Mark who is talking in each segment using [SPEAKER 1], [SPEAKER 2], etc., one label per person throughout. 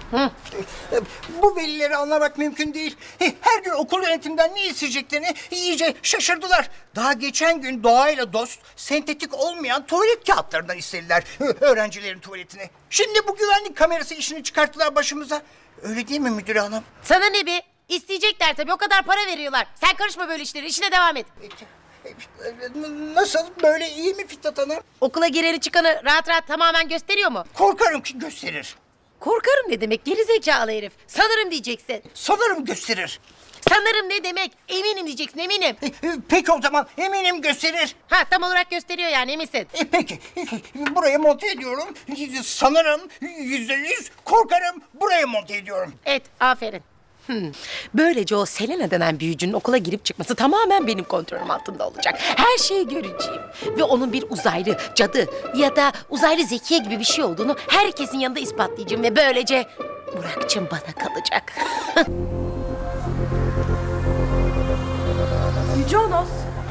[SPEAKER 1] Bu velileri anlamak mümkün değil. Her gün okul yönetimden ne isteyeceklerini iyice şaşırdılar. Daha geçen gün doğayla dost, sentetik olmayan tuvalet kağıtlarından istediler öğrencilerin tuvaletini. Şimdi bu güvenlik kamerası işini çıkarttılar başımıza. Öyle değil mi müdür hanım?
[SPEAKER 2] Sana ne be? İsteyecekler tabii, o kadar para veriyorlar. Sen karışma böyle işlere, işine devam et.
[SPEAKER 1] Nasıl? Böyle iyi mi Fitnat Hanım?
[SPEAKER 2] Okula gireni çıkanı rahat rahat tamamen gösteriyor mu?
[SPEAKER 1] Korkarım ki gösterir.
[SPEAKER 2] Korkarım ne demek gerizekalı herif? Sanırım diyeceksin.
[SPEAKER 1] Sanırım gösterir.
[SPEAKER 2] Sanırım ne demek? Eminim diyeceksin, eminim.
[SPEAKER 1] Peki o zaman eminim gösterir.
[SPEAKER 2] Ha, tam olarak gösteriyor yani, eminsin.
[SPEAKER 1] Peki buraya monte ediyorum. Sanırım %100 korkarım buraya monte ediyorum.
[SPEAKER 2] Evet, aferin. Böylece o Selena denen büyücünün okula girip çıkması tamamen benim kontrolüm altında olacak. Her şeyi göreceğim. Ve onun bir uzaylı, cadı ya da uzaylı zekiye gibi bir şey olduğunu herkesin yanında ispatlayacağım. Ve böylece Burak'cığım bana kalacak.
[SPEAKER 3] Yüce Onos.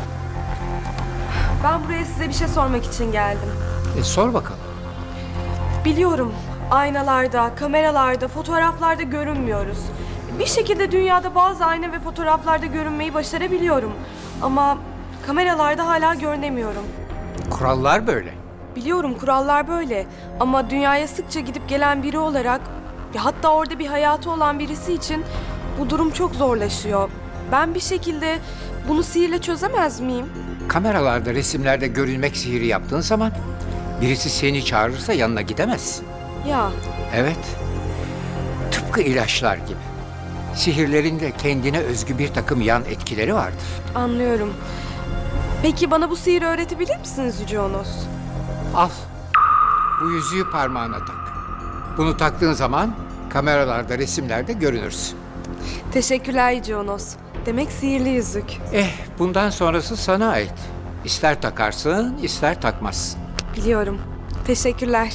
[SPEAKER 3] Ben buraya size bir şey sormak için geldim.
[SPEAKER 4] Sor bakalım.
[SPEAKER 3] Biliyorum aynalarda, kameralarda, fotoğraflarda görünmüyoruz. Bir şekilde dünyada bazı ayna ve fotoğraflarda görünmeyi başarabiliyorum. Ama kameralarda hala görünemiyorum.
[SPEAKER 4] Kurallar böyle.
[SPEAKER 3] Biliyorum kurallar böyle ama dünyaya sıkça gidip gelen biri olarak hatta orada bir hayatı olan birisi için bu durum çok zorlaşıyor. Ben bir şekilde bunu sihirle çözemez miyim?
[SPEAKER 4] Kameralarda, resimlerde görülmek sihiri yaptığın zaman birisi seni çağırırsa yanına gidemezsin.
[SPEAKER 3] Ya
[SPEAKER 4] Evet. Tıpkı ilaçlar gibi. Sihirlerin de kendine özgü bir takım yan etkileri vardır.
[SPEAKER 3] anlıyorum. Peki bana bu sihiri öğretebilir misiniz Yüce Onos?
[SPEAKER 4] Al. Bu yüzüğü parmağına tak. Bunu taktığın zaman kameralarda, resimlerde görünürsün.
[SPEAKER 3] Teşekkürler Yüce Onos. Demek sihirli yüzük.
[SPEAKER 4] Bundan sonrası sana ait. İster takarsın, ister takmazsın.
[SPEAKER 3] Biliyorum. Teşekkürler.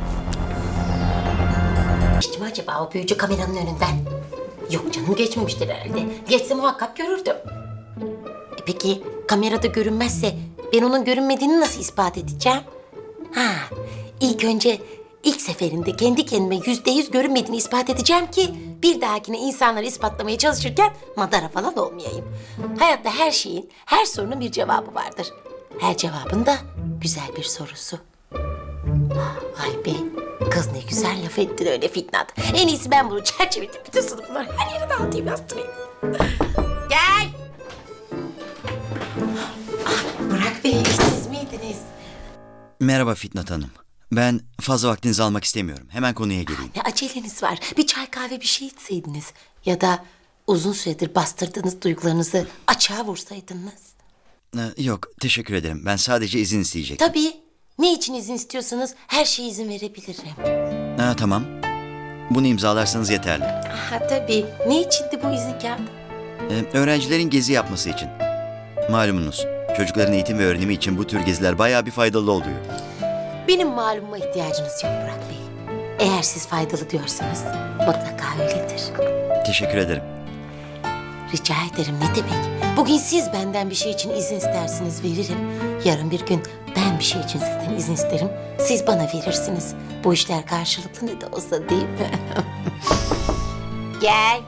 [SPEAKER 2] Geçti mi acaba o büyücü kameranın önünden? Yok canım, geçmemiştir herhalde. Geçse muhakkak görürdüm. Peki kamerada görünmezse ben onun görünmediğini nasıl ispat edeceğim? İlk önce ilk seferinde kendi kendime %100 görünmediğini ispat edeceğim ki bir dahakine insanları ispatlamaya çalışırken madara falan olmayayım. Hayatta her şeyin, her sorunun bir cevabı vardır. Her cevabın da güzel bir sorusu. Vay be, kız ne güzel laf ettin öyle Fitnat. En iyisi ben bunu çerçeveletip bütün sınıflar her yere dağıtayım, yastırayım. Gel. Burak Bey, siz miydiniz?
[SPEAKER 5] Merhaba Fitnat Hanım. Ben fazla vaktinizi almak istemiyorum. Hemen konuya geleyim.
[SPEAKER 2] Ne aceleniz var? Bir çay kahve bir şey içseydiniz. Ya da uzun süredir bastırdığınız duygularınızı açığa vursaydınız.
[SPEAKER 5] Yok, teşekkür ederim. Ben sadece izin isteyecektim.
[SPEAKER 2] Tabii. Ne için izin istiyorsanız her şeye izin verebilirim.
[SPEAKER 5] Tamam. Bunu imzalarsanız yeterli.
[SPEAKER 2] Tabii. Ne içindi bu izin kağıdı?
[SPEAKER 5] Öğrencilerin gezi yapması için. Malumunuz, çocukların eğitim ve öğrenimi için bu tür geziler bayağı bir faydalı oluyor.
[SPEAKER 2] Benim malumuma ihtiyacınız yok Burak Bey. Eğer siz faydalı diyorsanız mutlaka öyledir.
[SPEAKER 5] Teşekkür ederim.
[SPEAKER 2] Rica ederim, ne demek? Bugün siz benden bir şey için izin istersiniz, veririm. Yarın bir gün ben bir şey için sizden izin isterim. Siz bana verirsiniz. Bu işler karşılıklı ne de olsa, değil mi? Gel.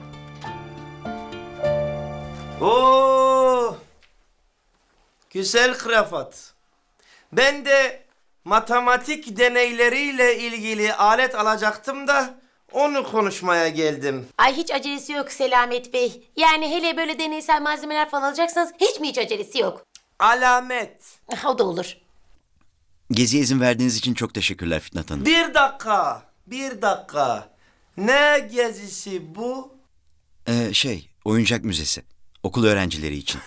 [SPEAKER 6] Oo! Güzel krafat. Ben de matematik deneyleriyle ilgili alet alacaktım da onu konuşmaya geldim.
[SPEAKER 2] Ay hiç acelesi yok Selamet Bey. Yani hele böyle deneysel malzemeler falan alacaksanız hiç acelesi yok.
[SPEAKER 6] Alamet.
[SPEAKER 2] O da olur.
[SPEAKER 5] Geziye izin verdiğiniz için çok teşekkürler Fitnat Hanım.
[SPEAKER 6] Bir dakika. Ne gezisi bu?
[SPEAKER 5] Oyuncak müzesi. Okul öğrencileri için.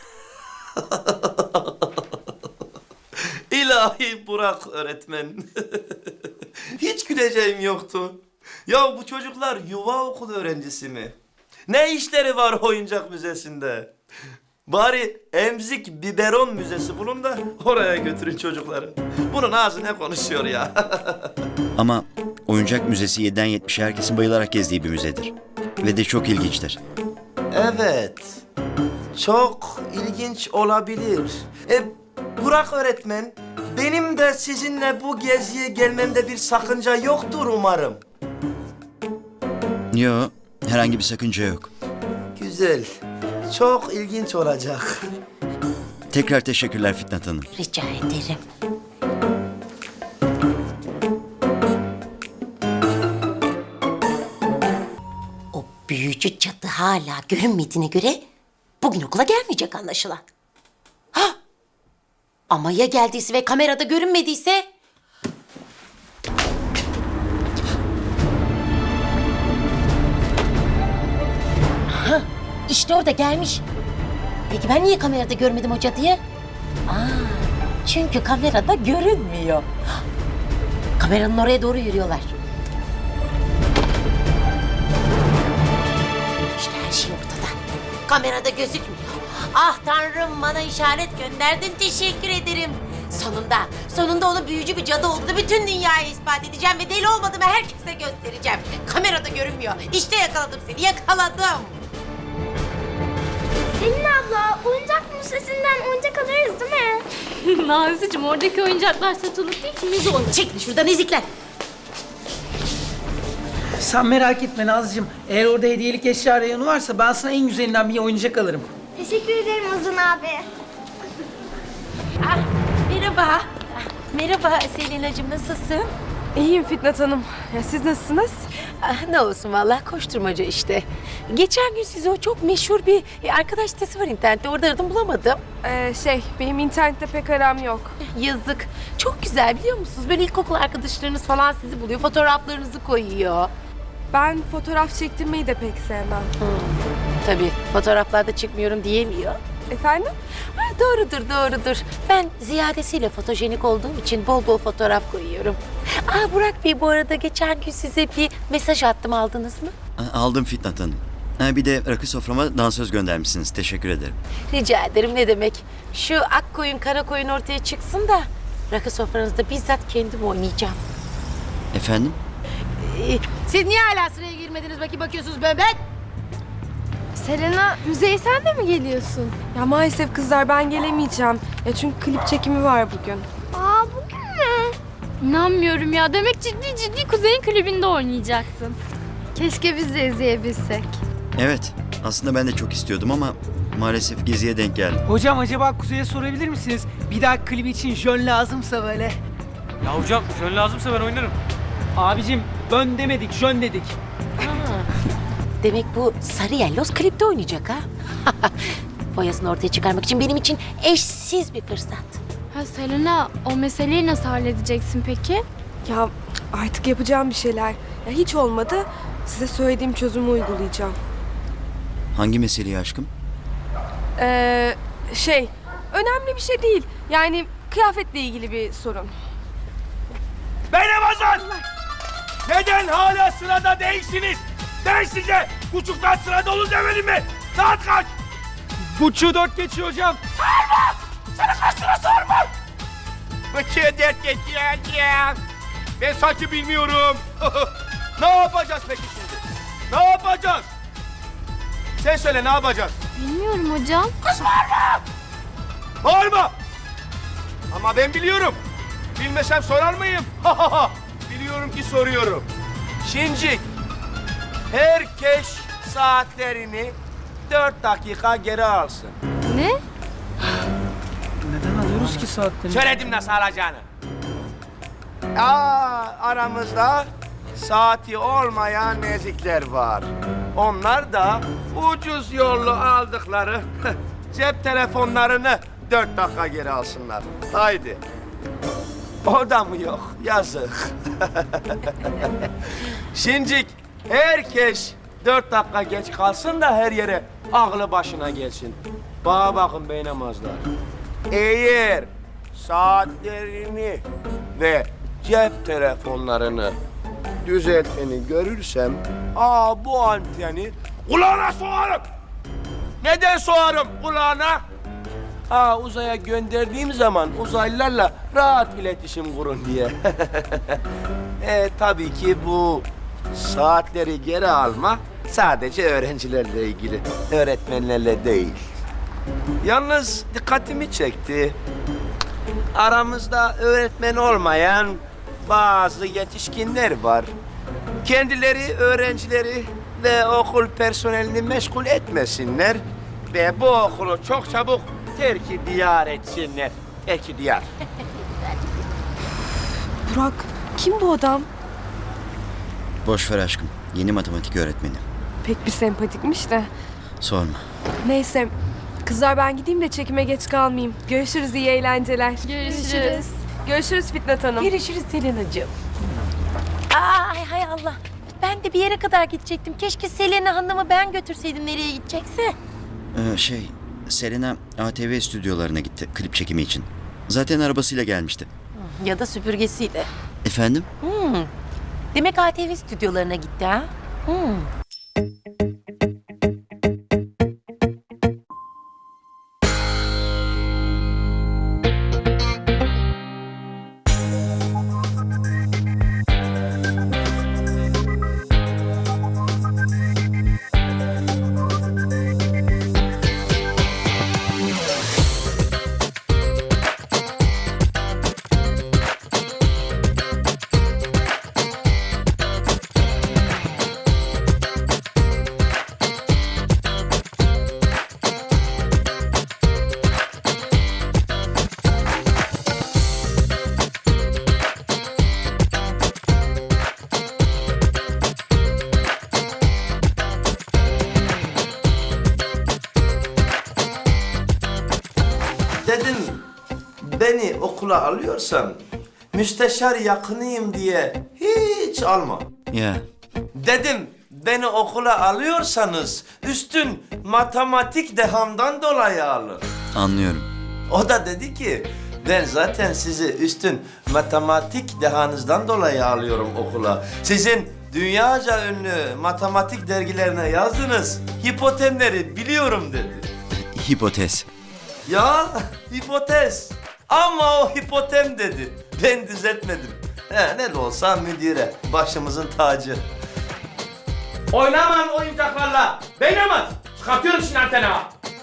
[SPEAKER 6] İlahi Burak öğretmen. Hiç güleceğim yoktu. Ya bu çocuklar yuva okulu öğrencisi mi? Ne işleri var oyuncak müzesinde? Bari emzik biberon müzesi bulun da oraya götürün çocukları. Bunun ağzı ne konuşuyor ya?
[SPEAKER 5] Ama oyuncak müzesi 7'den 70'e herkesin bayılarak gezdiği bir müzedir. Ve de çok ilginçtir.
[SPEAKER 6] Evet. Çok ilginç olabilir. Burak öğretmen, benim de sizinle bu geziye gelmemde bir sakınca yoktur umarım.
[SPEAKER 5] Yo, herhangi bir sakınca yok.
[SPEAKER 6] Güzel. Çok ilginç olacak.
[SPEAKER 5] Tekrar teşekkürler Fitnat Hanım.
[SPEAKER 2] Rica ederim. O büyücü cadı hala görünmediğine göre bugün okula gelmeyecek anlaşılan. Ha! Ama ya geldiyse ve kamerada görünmediyse? Ha, işte orada gelmiş. Peki ben niye kamerada görmedim o cadıyı? Çünkü kamerada görünmüyor. Kameranın oraya doğru yürüyorlar. İşte her şey ortada. Kamerada gözükmüyor. Ah Tanrım, bana işaret gönderdin, teşekkür ederim. Sonunda onun büyücü bir cadı olduğunu bütün dünyaya ispat edeceğim ve deli olmadığımı herkese göstereceğim. Kamerada görünmüyor. İşte yakaladım seni, yakaladım.
[SPEAKER 7] Selin abla, oyuncak müzesinden oyuncak alırız değil mi?
[SPEAKER 8] Nazlıcığım, oradaki oyuncaklar satılık değil ki, müze olur.
[SPEAKER 2] Çekil şuradan ezikler.
[SPEAKER 9] Sen merak etme Nazlıcığım. Eğer orada hediyelik eşya reyonu varsa ben sana en güzelinden bir oyuncak alırım.
[SPEAKER 7] Teşekkür ederim Uzun abi.
[SPEAKER 2] Ah, merhaba. Merhaba Selinacığım, nasılsın?
[SPEAKER 3] İyiyim Fitnat Hanım. Ya siz nasılsınız?
[SPEAKER 2] Ah, ne olsun vallahi, koşturmaca işte. Geçen gün size o çok meşhur bir arkadaş sitesi var internette. Orada aradım, bulamadım.
[SPEAKER 3] Benim internette pek aram yok.
[SPEAKER 2] Yazık. Çok güzel, biliyor musunuz? Böyle ilkokul arkadaşlarınız falan sizi buluyor. Fotoğraflarınızı koyuyor.
[SPEAKER 3] Ben fotoğraf çektirmeyi de pek sevmem.
[SPEAKER 2] Tabii fotoğraflarda çıkmıyorum diyemiyor.
[SPEAKER 3] Efendim?
[SPEAKER 2] Ha, doğrudur. Ben ziyadesiyle fotojenik olduğum için bol bol fotoğraf koyuyorum. Burak Bey, bu arada geçen gün size bir mesaj attım, aldınız mı?
[SPEAKER 5] Aldım Fitnat Hanım. Bir de rakı soframa dansöz göndermişsiniz. Teşekkür ederim.
[SPEAKER 2] Rica ederim, ne demek. Şu ak koyun kara koyun ortaya çıksın da rakı sofranızda bizzat kendim oynayacağım.
[SPEAKER 5] Efendim?
[SPEAKER 2] Siz niye hala sıraya girmediniz, bakıyorsunuz ben?
[SPEAKER 7] Selena, müzeye sen de mi geliyorsun?
[SPEAKER 3] Ya maalesef kızlar, ben gelemeyeceğim. Ya çünkü klip çekimi var bugün.
[SPEAKER 7] Aa, bugün mü?
[SPEAKER 8] İnanmıyorum ya, demek ciddi Kuzey'in klibinde oynayacaksın.
[SPEAKER 7] Keşke biz de izleyebilsek.
[SPEAKER 5] Evet. Aslında ben de çok istiyordum ama maalesef geziye denk geldim.
[SPEAKER 9] Hocam acaba Kuzey'e sorabilir misiniz? Bir daha klibi için jön lazımsa böyle.
[SPEAKER 10] Ya hocam jön lazımsa ben oynarım.
[SPEAKER 9] Abicim bön demedik, jön dedik.
[SPEAKER 2] Demek bu sarı yelloz klipte oynayacak ha? Foyasını ortaya çıkarmak için benim için eşsiz bir fırsat.
[SPEAKER 8] Ha Selena, o meseleyi nasıl halledeceksin peki?
[SPEAKER 3] Ya artık yapacağım bir şeyler. Ya hiç olmadı. Size söylediğim çözümü uygulayacağım.
[SPEAKER 5] Hangi meseleyi aşkım?
[SPEAKER 3] Önemli bir şey değil. Yani kıyafetle ilgili bir sorun.
[SPEAKER 10] Benim Hasan! Neden hala sırada değilsiniz? Ben size buçuktan sırada olun demedim mi? Saat kaç?
[SPEAKER 9] Buçuğu 4 geçiyor hocam.
[SPEAKER 10] Sana kaç sıra sormam? Buçuğu 4 geçiyor ya. Ben sanki bilmiyorum. Ne yapacağız peki şimdi? Ne yapacağız? Sen söyle, ne yapacağız?
[SPEAKER 8] Bilmiyorum hocam.
[SPEAKER 10] Bağırma! Ama ben biliyorum. Bilmesem sorar mıyım? Biliyorum ki soruyorum. Şincik, herkes saatlerini 4 dakika geri alsın.
[SPEAKER 8] Ne?
[SPEAKER 9] Neden alıyoruz ki saatleri?
[SPEAKER 10] Söyledim nasıl alacağını. Aramızda saati olmayan nezikler var. Onlar da ucuz yollu aldıkları cep telefonlarını 4 dakika geri alsınlar. Haydi. O da mı yok? Yazık. Şincik, herkes 4 dakika geç kalsın da her yere aklı başına gelsin. Bana bakın beynamazlar. Eğer saatlerini ve cep telefonlarını düzelteni görürsem, bu anteni kulağına soğarım. Neden soğarım kulağına? Uzaya gönderdiğim zaman uzaylılarla rahat iletişim kurun diye. Tabii ki bu saatleri geri alma sadece öğrencilerle ilgili, öğretmenlerle değil. Yalnız dikkatimi çekti. Aramızda öğretmen olmayan bazı yetişkinler var. Kendileri öğrencileri ve okul personelini meşgul etmesinler ve bu okulu çok çabuk terk-i diyar etsinler. Terk-i diyar.
[SPEAKER 3] Burak, kim bu adam?
[SPEAKER 5] Boş ver aşkım. Yeni matematik öğretmeni.
[SPEAKER 3] Pek bir sempatikmiş de.
[SPEAKER 5] Sorma.
[SPEAKER 3] Neyse, kızlar ben gideyim de çekime geç kalmayayım. Görüşürüz, iyi eğlenceler.
[SPEAKER 8] Görüşürüz.
[SPEAKER 3] Görüşürüz Fitnat Hanım.
[SPEAKER 2] Görüşürüz Selena'cığım. Ay hay Allah. Ben de bir yere kadar gidecektim. Keşke Selena Hanım'ı ben götürseydim nereye gidecekse.
[SPEAKER 5] Selena ATV stüdyolarına gitti klip çekimi için. Zaten arabasıyla gelmişti.
[SPEAKER 2] Ya da süpürgesiyle.
[SPEAKER 5] Efendim?
[SPEAKER 2] Demek ATV stüdyolarına gitti ha?
[SPEAKER 6] Dedim beni okula alıyorsan müsteşar yakınıyım diye hiç alma.
[SPEAKER 5] Ya
[SPEAKER 6] Dedim beni okula alıyorsanız üstün matematik dehamdan dolayı alın.
[SPEAKER 5] anlıyorum.
[SPEAKER 6] O da dedi ki ben zaten sizi üstün matematik dehanızdan dolayı alıyorum okula. Sizin dünyaca ünlü matematik dergilerine yazdınız hipotemleri biliyorum dedi.
[SPEAKER 5] Hipotez.
[SPEAKER 6] Ya hipotez. Ama o hipotem dedi. Ben düzeltmedim. Ne de olsa müdire başımızın tacı.
[SPEAKER 10] Oynaman oyuncaklarla. Beynamaz. Çıkartıyorum şimdi antena.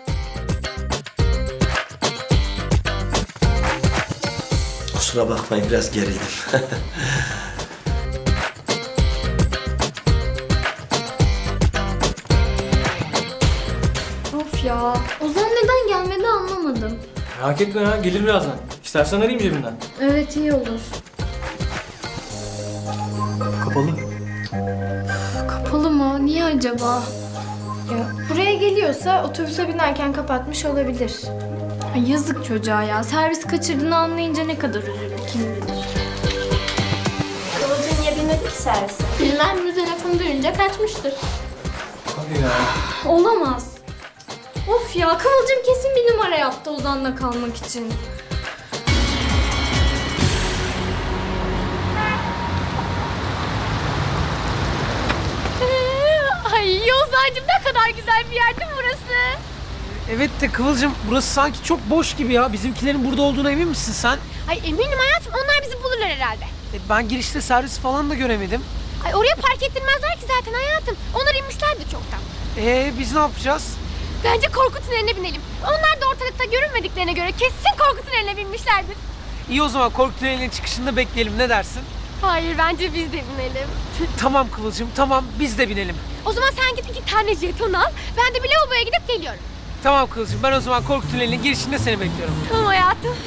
[SPEAKER 6] Kusura bakmayın biraz gerildim.
[SPEAKER 7] Of ya. Ozan neden gelmedi anlamadım.
[SPEAKER 11] Merak etme ya, gelir birazdan. İstersen arayayım cebimden.
[SPEAKER 7] Evet iyi olur.
[SPEAKER 11] Kapalı.
[SPEAKER 7] Kapalı mı? Niye acaba? Ya buraya geliyorsa otobüse binerken kapatmış olabilir. Ay yazık çocuğa ya. Servis kaçırdığını anlayınca ne kadar üzüldü kim bilir.
[SPEAKER 2] Kıvılcım niye binmedi ki servise?
[SPEAKER 7] Bilmem müze lafını duyunca kaçmıştır.
[SPEAKER 11] Hadi ya.
[SPEAKER 7] Olamaz. Of ya Kıvılcım kesin bir numara yaptı Ozan'la kalmak için.
[SPEAKER 8] Ay Ozancığım ne kadar güzel bir yer değil mi burası?
[SPEAKER 9] Evet de Kıvılcım burası sanki çok boş gibi ya. Bizimkilerin burada olduğuna emin misin sen?
[SPEAKER 8] Ay eminim hayatım onlar bizi bulurlar herhalde.
[SPEAKER 9] Ben girişte servis falan da göremedim.
[SPEAKER 8] Ay oraya park ettirmezler ki zaten hayatım. Onlar inmişlerdi çoktan.
[SPEAKER 9] Biz ne yapacağız?
[SPEAKER 8] Bence korku tüneline binelim. Onlar da ortalıkta görünmediklerine göre kesin korku tüneline binmişlerdir.
[SPEAKER 9] İyi o zaman korku tünelinin çıkışında bekleyelim, ne dersin?
[SPEAKER 8] Hayır bence biz de binelim.
[SPEAKER 9] Tamam Kıvılcım, tamam biz de binelim.
[SPEAKER 8] O zaman sen git 2 tane jeton al. Ben de bir lavaboya gidip geliyorum.
[SPEAKER 9] Tamam Kıvılcım, ben o zaman korku tünelinin girişinde seni bekliyorum.
[SPEAKER 8] Tamam hayatım.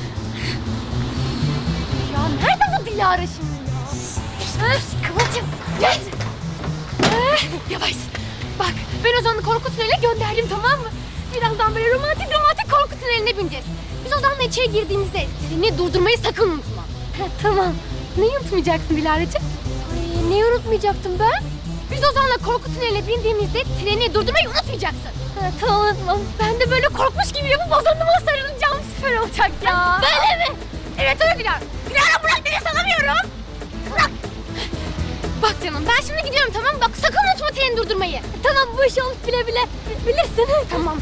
[SPEAKER 8] Ya nerede bu Dilara şimdi ya? Kıvılcım gel. Yavaş. Bak ben Ozan'ı korku tüneline gönderdim tamam mı? Birazdan böyle romantik korku tüneline bineceğiz. Biz Ozan'la içeri girdiğimizde treni durdurmayı sakın unutma. Tamam. Neyi unutmayacaksın Dilara'cığım? Ay, neyi unutmayacaktım ben? Biz Ozan'la korku tüneline bindiğimizde treni durdurmayı unutmayacaksın. Tamam unutmam. Ben de böyle korkmuş gibi yapıp Ozan'ıma sarılacağım. Süper olacak ya. Böyle mi? Evet öyle Dilara. Dilara bırak beni sanamıyorum. Bırak. Bak canım ben şimdi gidiyorum tamam mı? Bak sakın unutma treni durdurmayı. Tamam bu iş olmuş bile bile. Bilirsin. Tamam.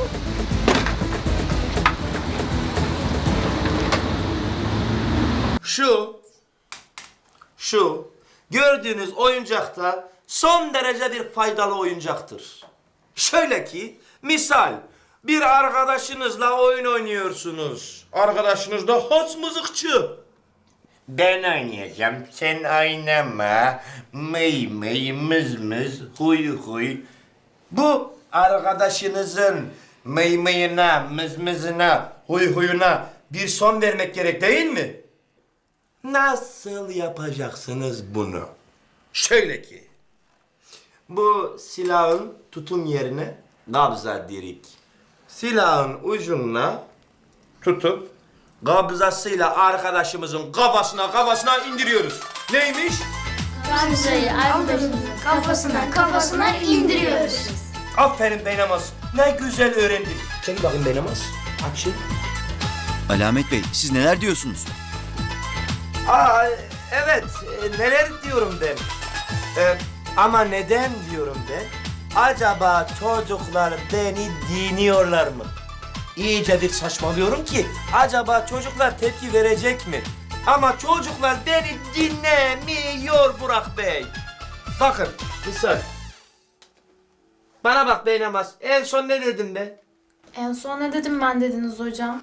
[SPEAKER 6] Şu gördüğünüz oyuncakta son derece bir faydalı oyuncaktır. Şöyle ki misal bir arkadaşınızla oyun oynuyorsunuz. Arkadaşınız da has mızıkçı.
[SPEAKER 10] Ben oynayacağım. Sen oynama. Mıy mıy mız mız huy huy. Bu arkadaşınızın mıy mıyına, mız mızına, huy huyuna bir son vermek gerek değil mi? Nasıl yapacaksınız bunu? Şöyle ki. Bu silahın tutum yerine kabza dirik. Silahın ucuna tutup kabzasıyla arkadaşımızın kafasına indiriyoruz. Neymiş?
[SPEAKER 8] Gamze'yi arkadaşımızın kafasına indiriyoruz.
[SPEAKER 10] Aferin Beynamaz. Ne güzel öğrendin. Çekil bakayım Beynamaz. Aç şey.
[SPEAKER 5] Alamet Bey, siz neler diyorsunuz?
[SPEAKER 10] Aa, evet. Neler diyorum ben. Ama neden diyorum ben? Acaba çocuklar beni dinliyorlar mı? İyice bir saçmalıyorum ki acaba çocuklar tepki verecek mi? Ama çocuklar beni dinlemiyor Burak Bey. Bakın kısa. Bana bak Beynamaz. En son ne dedim ben?
[SPEAKER 7] En son ne dedim ben dediniz hocam?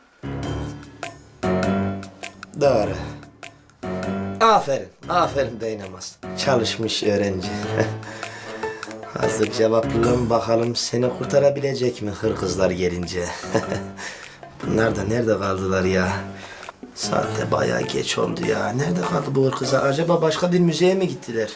[SPEAKER 10] Doğru. Aferin Beynamaz. Çalışmış öğrenci. Hazır cevaplım bakalım seni kurtarabilecek mi hırkızlar gelince? Bunlar da nerede kaldılar ya? Saat de bayağı geç oldu ya. Nerede kaldı bu hırkızlar? Acaba başka bir müzeye mi gittiler?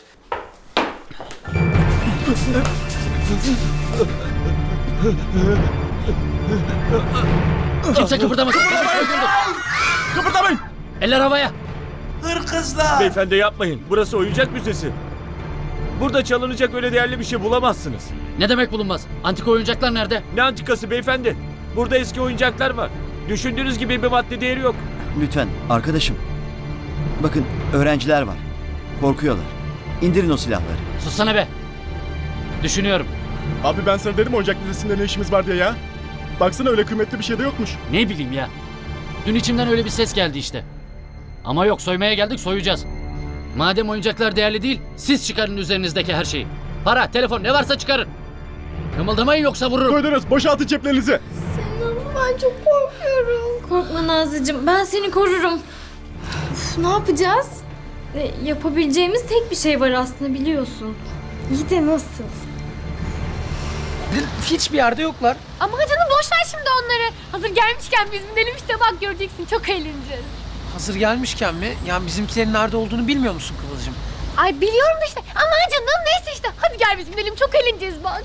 [SPEAKER 11] Kimse kıpırdamasın.
[SPEAKER 12] Kıpırdamayın!
[SPEAKER 11] Eller havaya.
[SPEAKER 10] Hırkızlar!
[SPEAKER 12] Beyefendi yapmayın. Burası oyuncak müzesi. Burada çalınacak öyle değerli bir şey bulamazsınız.
[SPEAKER 11] Ne demek bulunmaz? Antika oyuncaklar nerede?
[SPEAKER 12] Ne antikası beyefendi? Burada eski oyuncaklar var. Düşündüğünüz gibi bir madde değeri yok.
[SPEAKER 5] Lütfen arkadaşım. Bakın öğrenciler var. Korkuyorlar. İndirin o silahları.
[SPEAKER 11] Sussana be. Düşünüyorum.
[SPEAKER 12] Abi ben sana dedim oyuncak müzesinde ne işimiz var diye ya. Baksana öyle kıymetli bir şey de yokmuş.
[SPEAKER 11] Ne bileyim ya. Dün içimden öyle bir ses geldi işte. Ama yok, soymaya geldik, soyacağız. Madem oyuncaklar değerli değil, siz çıkarın üzerinizdeki her şeyi. Para, telefon ne varsa çıkarın. Kımıldamayın yoksa vururum.
[SPEAKER 12] Duydunuz, boşaltın ceplerinizi.
[SPEAKER 7] Ben çok korkuyorum. Korkma Nazlıcığım, ben seni korurum. Uf, ne yapacağız? Yapabileceğimiz tek bir şey var aslında, biliyorsun. İyi de nasıl?
[SPEAKER 9] Hiçbir yerde yoklar.
[SPEAKER 8] Ama canım boş ver şimdi onları. Hazır gelmişken biz binelim işte, bak göreceksin, çok eğleneceğiz.
[SPEAKER 9] Hazır gelmişken mi? Yani bizimkilerin nerede olduğunu bilmiyor musun Kıvılcım?
[SPEAKER 8] Ay biliyorum işte, ama canım neyse işte. Hadi gel biz binelim, çok eğleneceğiz bak.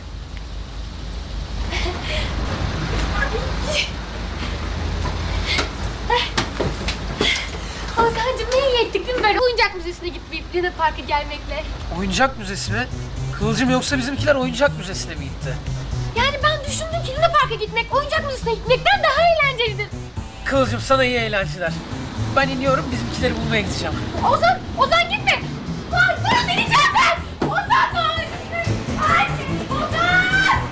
[SPEAKER 8] Hasan'cığım ne iyi ettik değil mi böyle oyuncak müzesine gitmeyip ya da parka gelmekle?
[SPEAKER 9] Oyuncak müzesi mi? Kıvılcım yoksa bizimkiler oyuncak müzesine mi gitti?
[SPEAKER 8] Yani ben düşündüm ki Luna Park'a gitmek oyuncak müzesine gitmekten daha eğlencelidir.
[SPEAKER 9] Kıvılcım sana iyi eğlenceler. Ben iniyorum, bizimkileri bulmaya gideceğim.
[SPEAKER 8] Ozan gitme. Ay dur, deneyeceğim ben. Ozan dur. Ay Ozan.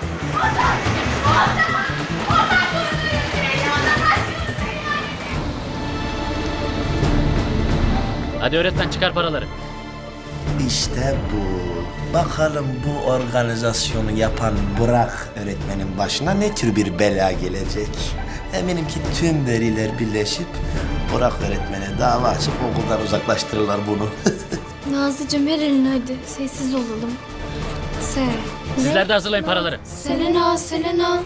[SPEAKER 11] Hadi öğretmen, çıkar paraları.
[SPEAKER 10] İşte bu. Bakalım bu organizasyonu yapan Burak öğretmenin başına ne tür bir bela gelecek. Eminim ki tüm veliler birleşip Burak öğretmene dava açıp okuldan uzaklaştırırlar bunu.
[SPEAKER 7] Nazlıcığım ver elini hadi, sessiz olalım.
[SPEAKER 11] Sizler de hazırlayın paraları.
[SPEAKER 7] Selena.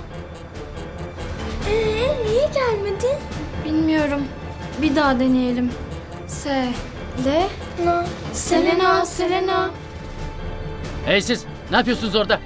[SPEAKER 7] Niye gelmedin? Bilmiyorum. Bir daha deneyelim. Selena.
[SPEAKER 11] Hey siz, ne yapıyorsunuz orada?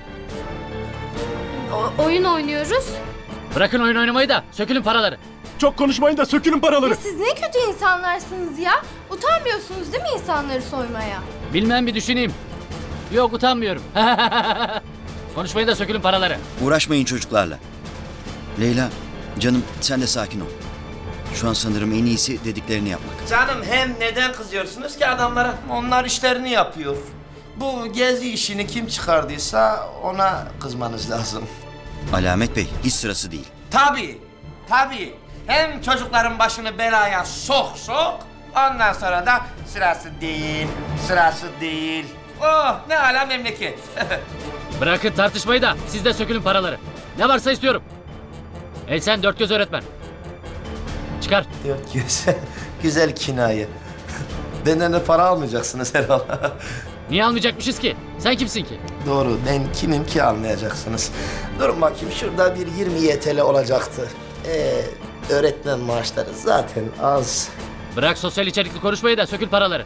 [SPEAKER 7] Oyun oynuyoruz.
[SPEAKER 11] Bırakın oyun oynamayı da sökülün paraları.
[SPEAKER 12] Çok konuşmayın da sökülün paraları.
[SPEAKER 8] Siz ne kötü insanlarsınız ya. Utanmıyorsunuz değil mi insanları soymaya?
[SPEAKER 11] Bilmem, bir düşüneyim. Yok, utanmıyorum. Konuşmayın da sökülün paraları.
[SPEAKER 5] Uğraşmayın çocuklarla. Leyla, canım sen de sakin ol. Şu an sanırım en iyisi dediklerini yapmak.
[SPEAKER 10] Canım hem neden kızıyorsunuz ki adamlara? Onlar işlerini yapıyor. Bu gezi işini kim çıkardıysa ona kızmanız lazım.
[SPEAKER 5] Alamet Bey, hiç sırası değil.
[SPEAKER 10] Tabii. Hem çocukların başını belaya sok. Ondan sonra da sırası değil. Oh ne ala memleket.
[SPEAKER 11] Bırakın tartışmayı da siz de sökülün paraları. Ne varsa istiyorum. Hey sen, dört göz öğretmen. Çıkar.
[SPEAKER 10] Dört göz. Güzel kinaye.
[SPEAKER 6] Benden de para almayacaksınız herhalde.
[SPEAKER 11] Niye almayacakmışız ki? Sen kimsin ki?
[SPEAKER 6] Doğru, ben kimim ki almayacaksınız. Durun bakayım, şurada bir 20 YTL olacaktı. Öğretmen maaşları zaten az.
[SPEAKER 11] Bırak sosyal içerikli konuşmayı da sökül paraları.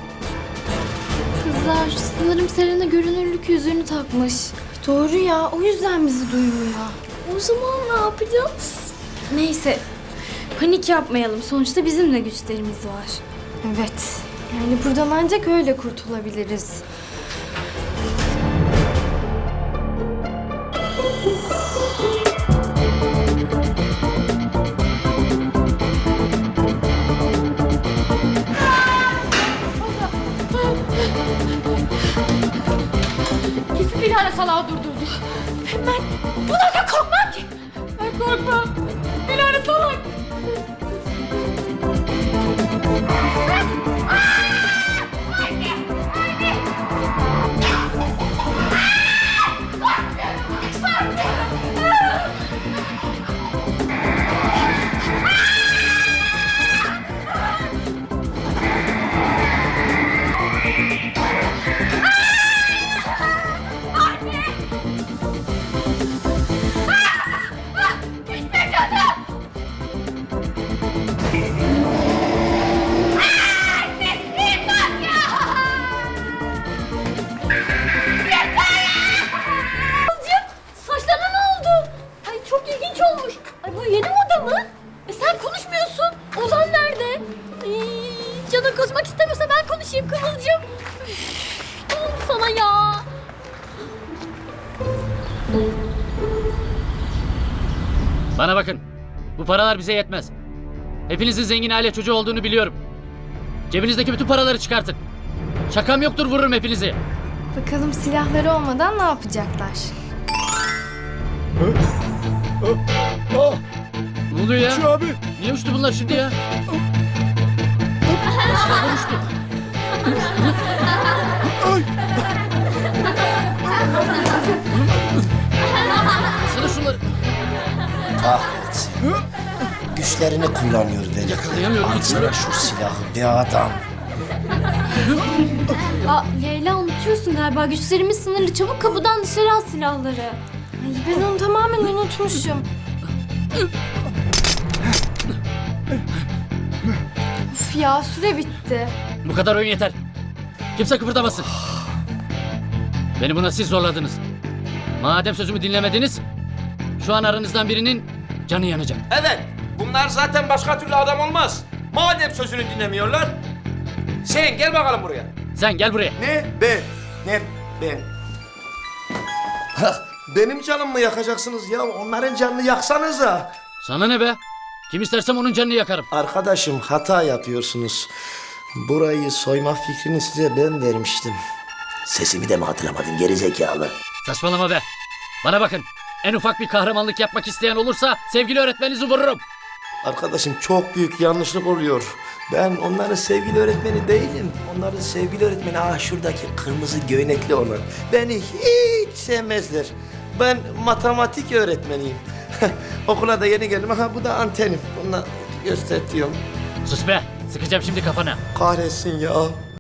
[SPEAKER 7] Kızlar sanırım Selena görünürlük yüzüğünü takmış. Doğru ya, o yüzden bizi duymuyor. O zaman ne yapacağız? Neyse, panik yapmayalım. Sonuçta bizim de güçlerimiz var. Evet, yani buradan ancak öyle kurtulabiliriz.
[SPEAKER 8] Kesin Dilara salağı durdurdu. Ben buna da korkmam ki. Ben korkmam. Dilara salak. Saçlarına ne oldu? Ay çok ilginç olmuş. Ay bu yeni moda mı? Sen konuşmuyorsun. Ozan nerede? Ay, canın kızmak istemiyorsa ben konuşayım Kıvılcım. Üf, ne oldu sana ya?
[SPEAKER 11] Bana bakın. Bu paralar bize yetmez. Hepinizin zengin aile çocuğu olduğunu biliyorum. Cebinizdeki bütün paraları çıkartın. Şakam yoktur, vururum hepinizi.
[SPEAKER 7] Bakalım silahları olmadan ne yapacaklar?
[SPEAKER 11] Ne oluyor ya?
[SPEAKER 12] Şu abi.
[SPEAKER 11] Niye uçtu bunlar şimdi ya? Silahlar uçtu. Sana şunları.
[SPEAKER 6] Kahretsin. Güçlerini kullanıyor deli.
[SPEAKER 11] Yakalayamıyorum.
[SPEAKER 6] Alsana şu silahı be adam.
[SPEAKER 7] Aa, Leyla unutuyorsun galiba. Güçlerimiz sınırlı. Çabuk kapıdan dışarı al silahları. Ay, ben onu tamamen unutmuşum. Uf ya, süre bitti.
[SPEAKER 11] Bu kadar oyun yeter. Kimse kıpırdamasın. Beni buna siz zorladınız. Madem sözümü dinlemediniz, şu an aranızdan birinin canı yanacak.
[SPEAKER 10] Evet, bunlar zaten başka türlü adam olmaz. Madem sözünü dinlemiyorlar, sen gel bakalım buraya.
[SPEAKER 11] Sen gel buraya.
[SPEAKER 6] Ne? Ben. Benim canımı mı yakacaksınız ya? Onların canını yaksanıza.
[SPEAKER 11] Sana ne be? Kim istersem onun canını yakarım.
[SPEAKER 6] Arkadaşım hata yapıyorsunuz. Burayı soyma fikrini size ben vermiştim. Sesimi de mi hatırlamadın gerizekalı?
[SPEAKER 11] Saçmalama be. Bana bakın. En ufak bir kahramanlık yapmak isteyen olursa sevgili öğretmeninizi vururum.
[SPEAKER 6] Arkadaşım çok büyük yanlışlık oluyor. Ben onların sevgili öğretmeni değilim. Onların sevgili öğretmeni şuradaki kırmızı göynekli olan. Beni hiç sevmezler. Ben matematik öğretmeniyim. Okula da yeni geldim. Bu da antenim. Bununla gösteriyorum.
[SPEAKER 11] Sus be. Sıkacağım şimdi kafana.
[SPEAKER 6] Kahretsin ya.